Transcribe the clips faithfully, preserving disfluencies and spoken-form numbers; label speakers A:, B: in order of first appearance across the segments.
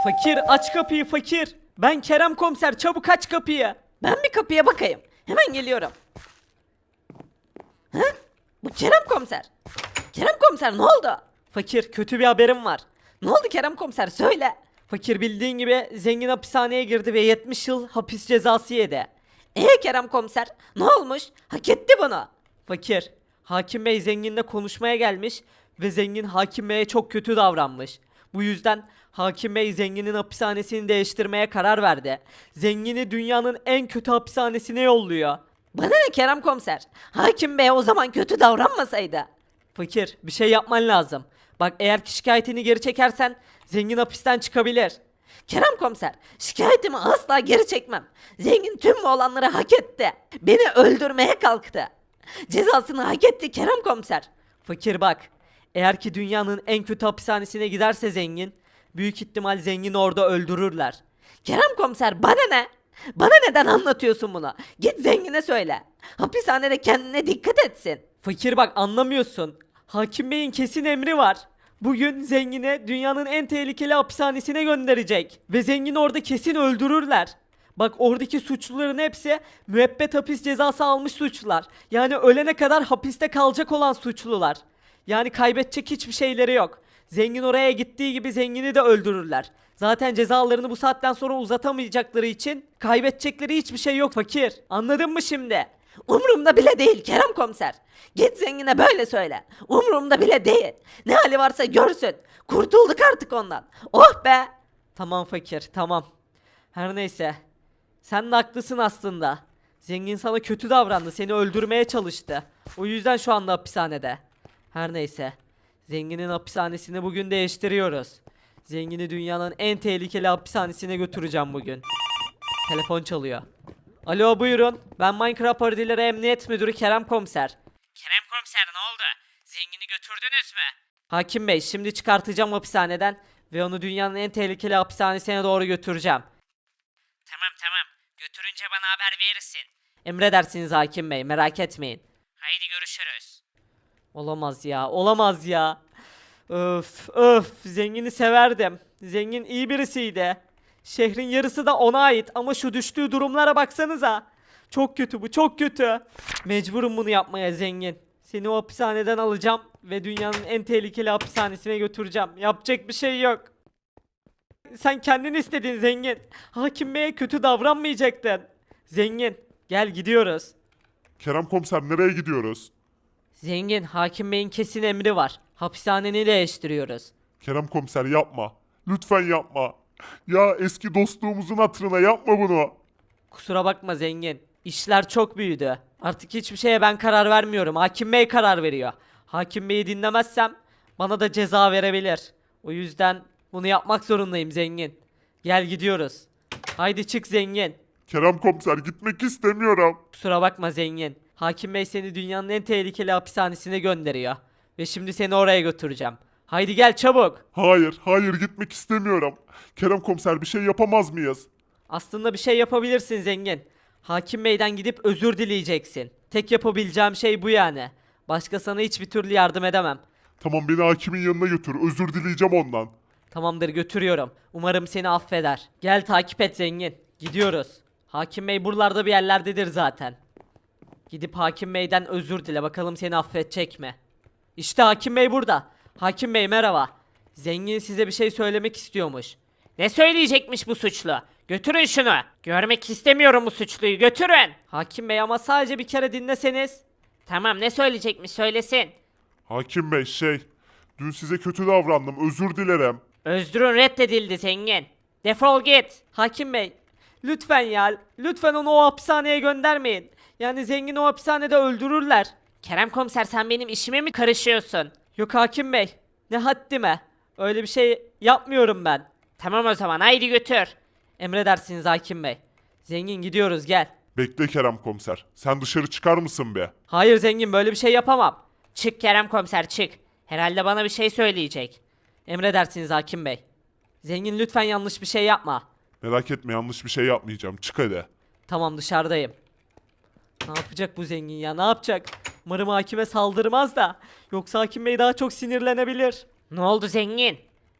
A: Fakir aç kapıyı fakir. Ben Kerem komiser, çabuk aç kapıyı.
B: Ben bir kapıya bakayım. Hemen geliyorum. Hı? Bu Kerem komiser. Kerem komiser ne oldu?
A: Fakir, kötü bir haberim var.
B: Ne oldu Kerem komiser söyle.
A: Fakir, bildiğin gibi zengin hapishaneye girdi ve yetmiş yıl hapis cezası yedi.
B: Ee Kerem komiser ne olmuş? Hak etti bunu.
A: Fakir, hakim bey zenginle konuşmaya gelmiş ve zengin hakim beye çok kötü davranmış. Bu yüzden hakim bey zenginin hapishanesini değiştirmeye karar verdi. Zengini dünyanın en kötü hapishanesine yolluyor.
B: Bana ne Kerem komiser? Hakim bey o zaman kötü davranmasaydı.
A: Fakir, bir şey yapman lazım. Bak, eğer ki şikayetini geri çekersen zengin hapisten çıkabilir.
B: Kerem komiser şikayetimi asla geri çekmem. Zengin tüm bu olanları hak etti. Beni öldürmeye kalktı. Cezasını hak etti Kerem komiser.
A: Fakir bak, eğer ki dünyanın en kötü hapishanesine giderse zengin, büyük ihtimal zengini orada öldürürler.
B: Kerem komiser bana ne? Bana neden anlatıyorsun bunu? Git zengine söyle. Hapishanede kendine dikkat etsin.
A: Fakir bak, anlamıyorsun. Hakim Bey'in kesin emri var. Bugün zengini dünyanın en tehlikeli hapishanesine gönderecek. Ve zengini orada kesin öldürürler. Bak, oradaki suçluların hepsi müebbet hapis cezası almış suçlular. Yani ölene kadar hapiste kalacak olan suçlular. Yani kaybedecek hiçbir şeyleri yok. Zengin oraya gittiği gibi zengini de öldürürler. Zaten cezalarını bu saatten sonra uzatamayacakları için kaybedecekleri hiçbir şey yok fakir. Anladın mı şimdi?
B: Umurumda bile değil Kerem komiser. Git zengine böyle söyle. Umurumda bile değil. Ne hali varsa görsün. Kurtulduk artık ondan. Oh be.
A: Tamam fakir, tamam. Her neyse. Sen de haklısın aslında. Zengin sana kötü davrandı, seni öldürmeye çalıştı. O yüzden şu anda hapishanede. Her neyse. Zenginin hapishanesini bugün değiştiriyoruz. Zengini dünyanın en tehlikeli hapishanesine götüreceğim bugün. Telefon çalıyor. Alo, buyurun. Ben Minecraft Parodileri Emniyet Müdürü Kerem Komiser.
C: Kerem komiser ne oldu? Zengini götürdünüz mü?
A: Hakim Bey, şimdi çıkartacağım hapishaneden ve onu dünyanın en tehlikeli hapishanesine doğru götüreceğim.
C: Tamam tamam. Götürünce bana haber verirsin.
A: Emredersiniz Hakim Bey, merak etmeyin.
C: Haydi görüşürüz.
A: Olamaz ya, olamaz ya. Öf, öf, zengini severdim. Zengin iyi birisiydi. Şehrin yarısı da ona ait ama şu düştüğü durumlara baksanıza. Çok kötü bu, çok kötü. Mecburum bunu yapmaya zengin. Seni o hapishaneden alacağım ve dünyanın en tehlikeli hapishanesine götüreceğim. Yapacak bir şey yok. Sen kendin istedin zengin. Hakim Bey'e kötü davranmayacaktın. Zengin, gel gidiyoruz.
D: Kerem komiser nereye gidiyoruz?
A: Zengin, Hakim Bey'in kesin emri var. Hapishaneni değiştiriyoruz.
D: Kerem komiser yapma. Lütfen yapma. Ya eski dostluğumuzun hatırına yapma bunu.
A: Kusura bakma zengin. İşler çok büyüdü. Artık hiçbir şeye ben karar vermiyorum. Hakim Bey karar veriyor. Hakim Bey'i dinlemezsem bana da ceza verebilir. O yüzden bunu yapmak zorundayım zengin. Gel gidiyoruz. Haydi çık zengin.
D: Kerem komiser gitmek istemiyorum.
A: Kusura bakma zengin. Hakim Bey seni dünyanın en tehlikeli hapishanesine gönderiyor. Ve şimdi seni oraya götüreceğim. Haydi gel çabuk.
D: Hayır, hayır gitmek istemiyorum. Kerem komiser bir şey yapamaz mıyız?
A: Aslında bir şey yapabilirsin zengin. Hakim Bey'den gidip özür dileyeceksin. Tek yapabileceğim şey bu yani. Başka sana hiçbir türlü yardım edemem.
D: Tamam beni hakimin yanına götür. Özür dileyeceğim ondan.
A: Tamamdır, götürüyorum. Umarım seni affeder. Gel takip et zengin. Gidiyoruz. Hakim Bey buralarda bir yerlerdedir zaten. Gidip Hakim Bey'den özür dile, bakalım seni affedecek mi? İşte Hakim Bey burada. Hakim Bey merhaba. Zengin size bir şey söylemek istiyormuş.
C: Ne söyleyecekmiş bu suçlu? Götürün şunu. Görmek istemiyorum bu suçluyu. Götürün.
A: Hakim Bey ama sadece bir kere dinleseniz.
C: Tamam ne söyleyecekmiş söylesin.
D: Hakim bey şey, dün size kötü davrandım. Özür dilerim.
C: Özrün reddedildi zengin. Defol git.
A: Hakim Bey, lütfen ya, lütfen onu o hapishaneye göndermeyin. Yani zengini o hapishanede öldürürler.
C: Kerem komiser sen benim işime mi karışıyorsun?
A: Yok Hakim Bey, ne haddime. Öyle bir şey yapmıyorum ben.
C: Tamam o zaman haydi götür.
A: Emredersiniz Hakim Bey. Zengin gidiyoruz gel.
D: Bekle Kerem komiser. Sen dışarı çıkar mısın be?
A: Hayır zengin, böyle bir şey yapamam.
C: Çık Kerem komiser çık. Herhalde bana bir şey söyleyecek.
A: Emredersiniz Hakim Bey. Zengin lütfen yanlış bir şey yapma.
D: Merak etme yanlış bir şey yapmayacağım. Çık hadi.
A: Tamam, dışarıdayım. Ne yapacak bu zengin ya, ne yapacak? Umarım hakime saldırmaz da. Yoksa Hakim Bey daha çok sinirlenebilir.
C: Ne oldu zengin?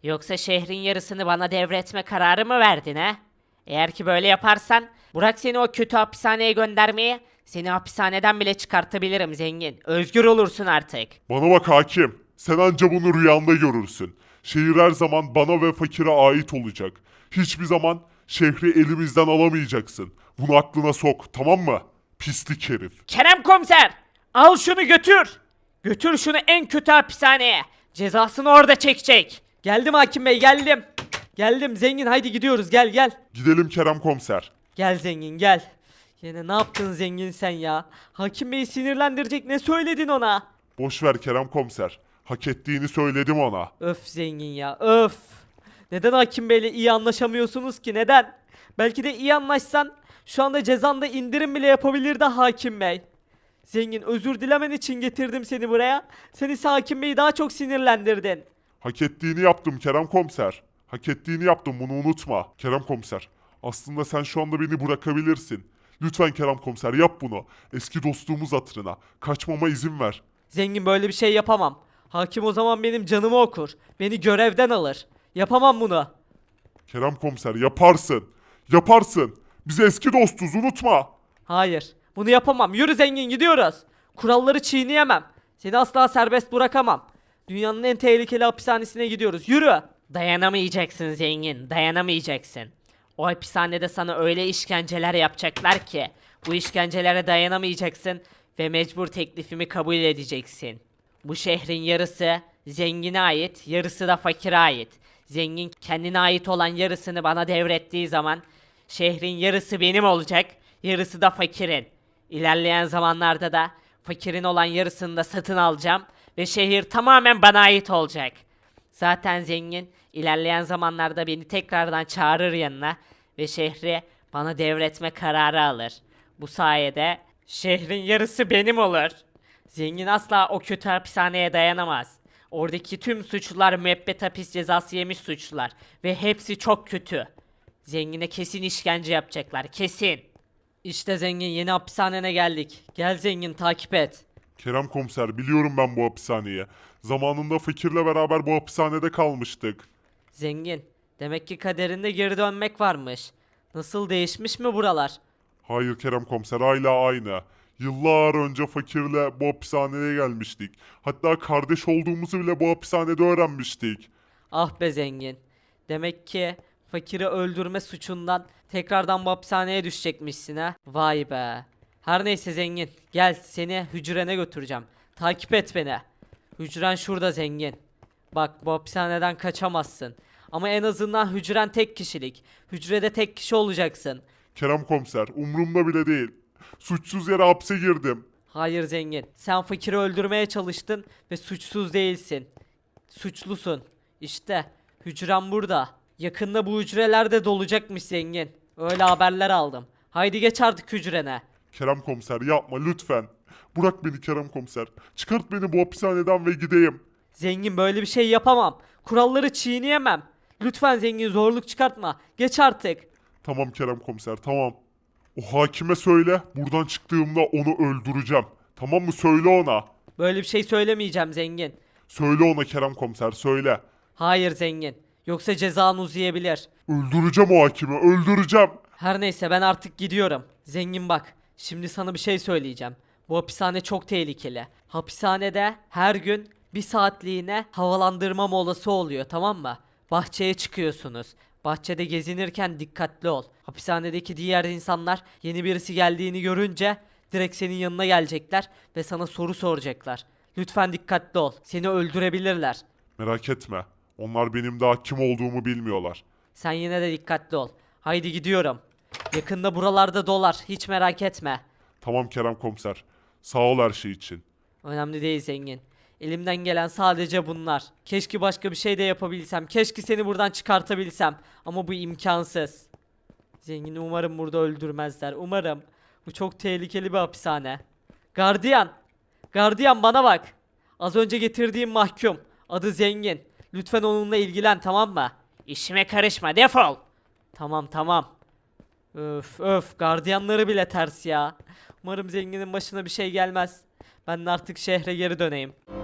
C: Yoksa şehrin yarısını bana devretme kararı mı verdin he? Eğer ki böyle yaparsan bırak seni o kötü hapishaneye göndermeyi, seni hapishaneden bile çıkartabilirim zengin. Özgür olursun artık.
D: Bana bak hakim. Sen anca bunu rüyanda görürsün. Şehir her zaman bana ve fakire ait olacak. Hiçbir zaman şehri elimizden alamayacaksın. Bunu aklına sok, tamam mı? Pislik herif.
C: Kerem komiser, al şunu götür. Götür şunu en kötü hapishaneye. Cezasını orada çekecek.
A: Geldim hakim bey geldim. Geldim zengin haydi gidiyoruz gel gel.
D: Gidelim Kerem komiser.
A: Gel zengin gel. Yine ne yaptın zengin sen ya? Hakim Bey'i sinirlendirecek ne söyledin ona?
D: Boş ver Kerem komiser. Hak ettiğini söyledim ona.
A: Öf zengin ya öf. Neden Hakim Bey'le iyi anlaşamıyorsunuz ki neden? Belki de iyi anlaşsan şu anda cezanda indirim bile yapabilirdi Hakim Bey. Zengin özür dilemen için getirdim seni buraya. Sen ise Hakim Bey'i daha çok sinirlendirdin.
D: Hak ettiğini yaptım Kerem komiser. Hak ettiğini yaptım, bunu unutma. Kerem komiser, aslında sen şu anda beni bırakabilirsin. Lütfen Kerem komiser yap bunu. Eski dostluğumuz hatırına. Kaçmama izin ver.
A: Zengin böyle bir şey yapamam. Hakim o zaman benim canımı okur. Beni görevden alır. Yapamam bunu.
D: Kerem komiser yaparsın. Yaparsın. Biz eski dostuz, unutma.
A: Hayır. Bunu yapamam. Yürü zengin gidiyoruz. Kuralları çiğneyemem. Seni asla serbest bırakamam. Dünyanın en tehlikeli hapishanesine gidiyoruz. Yürü.
C: Dayanamayacaksın zengin, dayanamayacaksın. O hapishanede sana öyle işkenceler yapacaklar ki bu işkencelere dayanamayacaksın ve mecbur teklifimi kabul edeceksin. Bu şehrin yarısı zengine ait, yarısı da fakire ait. Zengin kendine ait olan yarısını bana devrettiği zaman şehrin yarısı benim olacak, yarısı da fakirin. İlerleyen zamanlarda da fakirin olan yarısını da satın alacağım ve şehir tamamen bana ait olacak. Zaten zengin ilerleyen zamanlarda beni tekrardan çağırır yanına ve şehri bana devretme kararı alır. Bu sayede şehrin yarısı benim olur. Zengin asla o kötü hapishaneye dayanamaz. Oradaki tüm suçlular müebbet hapis cezası yemiş suçlular ve hepsi çok kötü. Zengine kesin işkence yapacaklar, kesin.
A: İşte zengin yeni hapishanene geldik. Gel zengin takip et.
D: Kerem komiser biliyorum ben bu hapishaneyi. Zamanında fakirle beraber bu hapishanede kalmıştık.
A: Zengin. Demek ki kaderinde geri dönmek varmış. Nasıl değişmiş mi buralar?
D: Hayır Kerem komiser hala aynı. Yıllar önce fakirle bu hapishaneye gelmiştik. Hatta kardeş olduğumuzu bile bu hapishanede öğrenmiştik.
A: Ah be zengin. Demek ki fakiri öldürme suçundan tekrardan bu hapishaneye düşecekmişsin ha. Vay be. Her neyse zengin. Gel seni hücrene götüreceğim. Takip et beni. Hücren şurada zengin. Bak bu hapishaneden kaçamazsın. Ama en azından hücren tek kişilik. Hücrede tek kişi olacaksın.
D: Kerem komiser umurumda bile değil. Suçsuz yere hapse girdim.
A: Hayır zengin. Sen fakiri öldürmeye çalıştın ve suçsuz değilsin. Suçlusun. İşte hücrem burada. Yakında bu hücreler de dolacakmış zengin. Öyle haberler aldım. Haydi geç artık hücrene.
D: Kerem komiser yapma lütfen. Bırak beni Kerem komiser. Çıkart beni bu hapishaneden ve gideyim.
A: Zengin böyle bir şey yapamam. Kuralları çiğneyemem. Lütfen zengin zorluk çıkartma. Geç artık.
D: Tamam Kerem komiser tamam. O hakime söyle buradan çıktığımda onu öldüreceğim. Tamam mı söyle ona.
A: Böyle bir şey söylemeyeceğim zengin.
D: Söyle ona Kerem komiser söyle.
A: Hayır zengin. Yoksa cezan uzayabilir.
D: Öldüreceğim o hakimi öldüreceğim.
A: Her neyse ben artık gidiyorum. Zengin bak. Şimdi sana bir şey söyleyeceğim. Bu hapishane çok tehlikeli. Hapishanede her gün bir saatliğine havalandırma molası oluyor, tamam mı? Bahçeye çıkıyorsunuz. Bahçede gezinirken dikkatli ol. Hapishanedeki diğer insanlar yeni birisi geldiğini görünce direkt senin yanına gelecekler ve sana soru soracaklar. Lütfen dikkatli ol. Seni öldürebilirler.
D: Merak etme. Onlar benim daha kim olduğumu bilmiyorlar.
A: Sen yine de dikkatli ol. Haydi gidiyorum. Yakında buralarda dolar. Hiç merak etme.
D: Tamam Kerem komiser. Sağ ol her şey için.
A: Önemli değil zengin. Elimden gelen sadece bunlar. Keşke başka bir şey de yapabilsem. Keşke seni buradan çıkartabilsem. Ama bu imkansız. Zengini umarım burada öldürmezler. Umarım. Bu çok tehlikeli bir hapishane. Gardiyan. Gardiyan bana bak. Az önce getirdiğim mahkum. Adı Zengin. Lütfen onunla ilgilen, tamam mı?
C: İşime karışma, defol.
A: Tamam tamam. Öf öf gardiyanları bile ters ya. Umarım zenginin başına bir şey gelmez. Ben de artık şehre geri döneyim.